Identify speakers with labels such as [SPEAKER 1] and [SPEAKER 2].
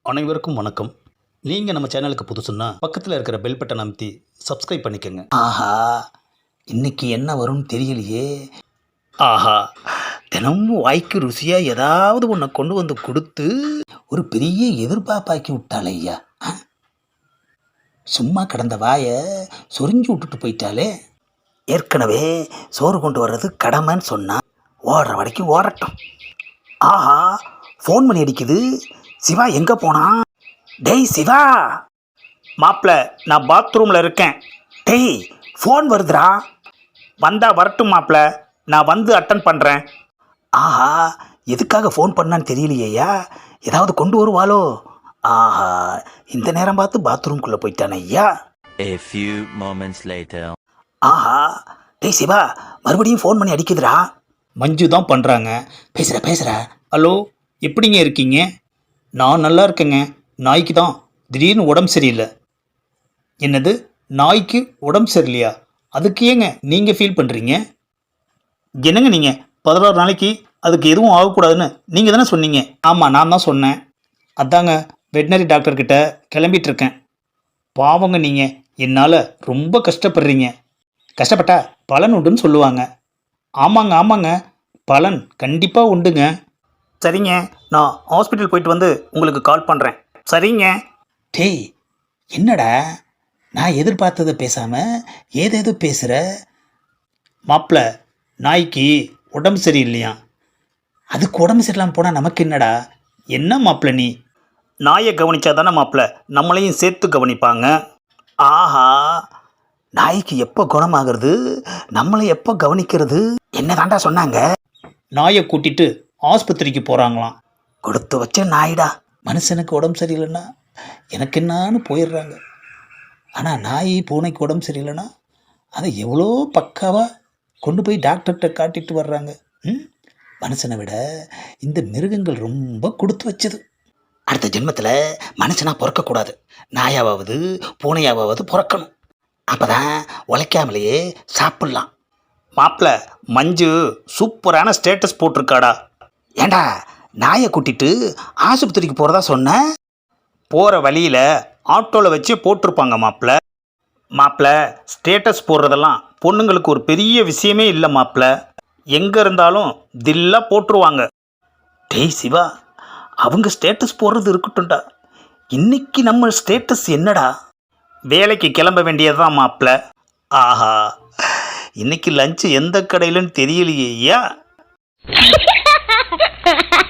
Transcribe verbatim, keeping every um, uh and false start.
[SPEAKER 1] அனைவருக்கும் வணக்கம். நீங்கள் நம்ம சேனலுக்கு புதுசுன்னா பக்கத்தில் இருக்கிற பெல் பட்டன் அமைத்தி சப்ஸ்கிரைப் பண்ணிக்கோங்க.
[SPEAKER 2] ஆஹா, இன்னைக்கு என்ன வரும்னு தெரியலையே. ஆஹா, தினமும் வாய்க்கு ருசியாக ஏதாவது ஒன்றை கொண்டு வந்து கொடுத்து ஒரு பெரிய எதிர்பார்ப்பாக்கி விட்டாளே ஐயா. ஆ? சும்மா கிடந்த வாயை சொரிஞ்சு விட்டுட்டு போயிட்டாலே. ஏற்கனவே சோறு கொண்டு வர்றது கடமைன்னு சொன்னா ஓடுற வரைக்கும் ஓடட்டும். ஆஹா, ஃபோன் பண்ணி அடிக்குது. சிவா எங்கே போனான்? டேய் சிவா.
[SPEAKER 3] மாப்பிள்ள, நான் பாத்ரூமில் இருக்கேன்.
[SPEAKER 2] டேய், ஃபோன் வருதுடா.
[SPEAKER 3] வந்தா வரட்டும் மாப்பிள்ள, நான் வந்து அட்டன் பண்ணுறேன்.
[SPEAKER 2] ஆஹா, எதுக்காக ஃபோன் பண்ணான்னு தெரியலையா. ஏதாவது கொண்டு வருவாளோ? ஆஹா, இந்த நேரம் பார்த்து பாத்ரூம்குள்ளே போயிட்டானே ஐயா.
[SPEAKER 4] A few moments later.
[SPEAKER 2] ஆஹா, டேய் சிவா, மறுபடியும் ஃபோன் பண்ணி அடிக்குதுடா.
[SPEAKER 3] மஞ்சு தான் பண்ணுறாங்க.
[SPEAKER 2] பேசுகிற பேசுகிற.
[SPEAKER 3] ஹலோ, எப்படிங்க இருக்கீங்க? நான் நல்லா இருக்கேங்க. நாய்க்கு தான் திடீர்னு உடம்பு சரியில்லை. என்னது, நாய்க்கு உடம்பு சரியில்லையா? அதுக்கு ஏங்க நீங்கள் ஃபீல் பண்ணுறீங்க? என்னங்க நீங்கள் பதினாறு நாளைக்கு அதுக்கு எதுவும் ஆகக்கூடாதுன்னு நீங்கள் தானே சொன்னீங்க. ஆமாம், நான் தான் சொன்னேன். அதாங்க வெட்டினரி டாக்டர்கிட்ட கிளம்பிட்டு இருக்கேன். பாவங்க நீங்கள், என்னால் ரொம்ப கஷ்டப்படுறீங்க. கஷ்டப்பட்டா பலன் உண்டுன்னு சொல்லுவாங்க. ஆமாங்க ஆமாங்க, பலன் கண்டிப்பாக உண்டுங்க. சரிங்க, நான் ஹாஸ்பிட்டல் போயிட்டு வந்து உங்களுக்கு கால் பண்ணுறேன். சரிங்க.
[SPEAKER 2] டேய், என்னடா நான் எதிர்பார்த்ததை பேசாமல் ஏதேதோ பேசுகிற.
[SPEAKER 3] மாப்பிள்ள, நாய்க்கு உடம்பு சரியில்லையா?
[SPEAKER 2] அதுக்கு உடம்பு சரியில்லாமல் போனால் நமக்கு என்னடா?
[SPEAKER 3] என்ன மாப்பிள்ள நீ? நாயை கவனிச்சா தானே மாப்பிள்ள நம்மளையும் சேர்த்து கவனிப்பாங்க.
[SPEAKER 2] ஆஹா, நாய்க்கு எப்போ குணமாகிறது, நம்மளை எப்போ கவனிக்கிறது? என்ன தாண்டா சொன்னாங்க?
[SPEAKER 3] நாயை கூட்டிட்டு ஆஸ்பத்திரிக்கு போகிறாங்களாம்.
[SPEAKER 2] கொடுத்து வச்ச நாய்டா. மனுஷனுக்கு உடம்பு சரியில்லைன்னா எனக்கு என்னான்னு போயிடுறாங்க. ஆனால் நாய் பூனைக்கு உடம்பு சரியில்லைன்னா அதை எவ்வளோ பக்காவாக கொண்டு போய் டாக்டர்கிட்ட காட்டிட்டு வர்றாங்க. ம் மனுஷனை விட இந்த மிருகங்கள் ரொம்ப கொடுத்து வச்சது. அடுத்த ஜென்மத்தில் மனுஷனாக பிறக்கக்கூடாது, நாயாவது பூனையாவது பிறக்கணும். அப்போ தான் உழைக்காமலேயே சாப்பிட்லாம்.
[SPEAKER 3] மாப்பிள்ள, மஞ்சு சூப்பரான ஸ்டேட்டஸ் போட்டிருக்காடா.
[SPEAKER 2] ஏண்டா, நாயை கூட்டிட்டு ஆஸ்பத்திரிக்கு போகிறதா சொன்ன?
[SPEAKER 3] போகிற வழியில் ஆட்டோவில் வச்சு போட்டிருப்பாங்க மாப்பிள்ள. மாப்பிள்ள, ஸ்டேட்டஸ் போடுறதெல்லாம் பொண்ணுங்களுக்கு ஒரு பெரிய விஷயமே இல்லை மாப்பிள்ள. எங்கே இருந்தாலும் தில்லாக போட்டுருவாங்க.
[SPEAKER 2] டேய் சிவா, அவங்க ஸ்டேட்டஸ் போடுறது இருக்கட்டும்டா. இன்னைக்கு நம்ம ஸ்டேட்டஸ் என்னடா?
[SPEAKER 3] வேலைக்கு கிளம்ப வேண்டியது தான் மாப்பிள்ள. ஆஹா, இன்னைக்கு லஞ்சு எந்த கடையிலன்னு தெரியலையே ஐயா.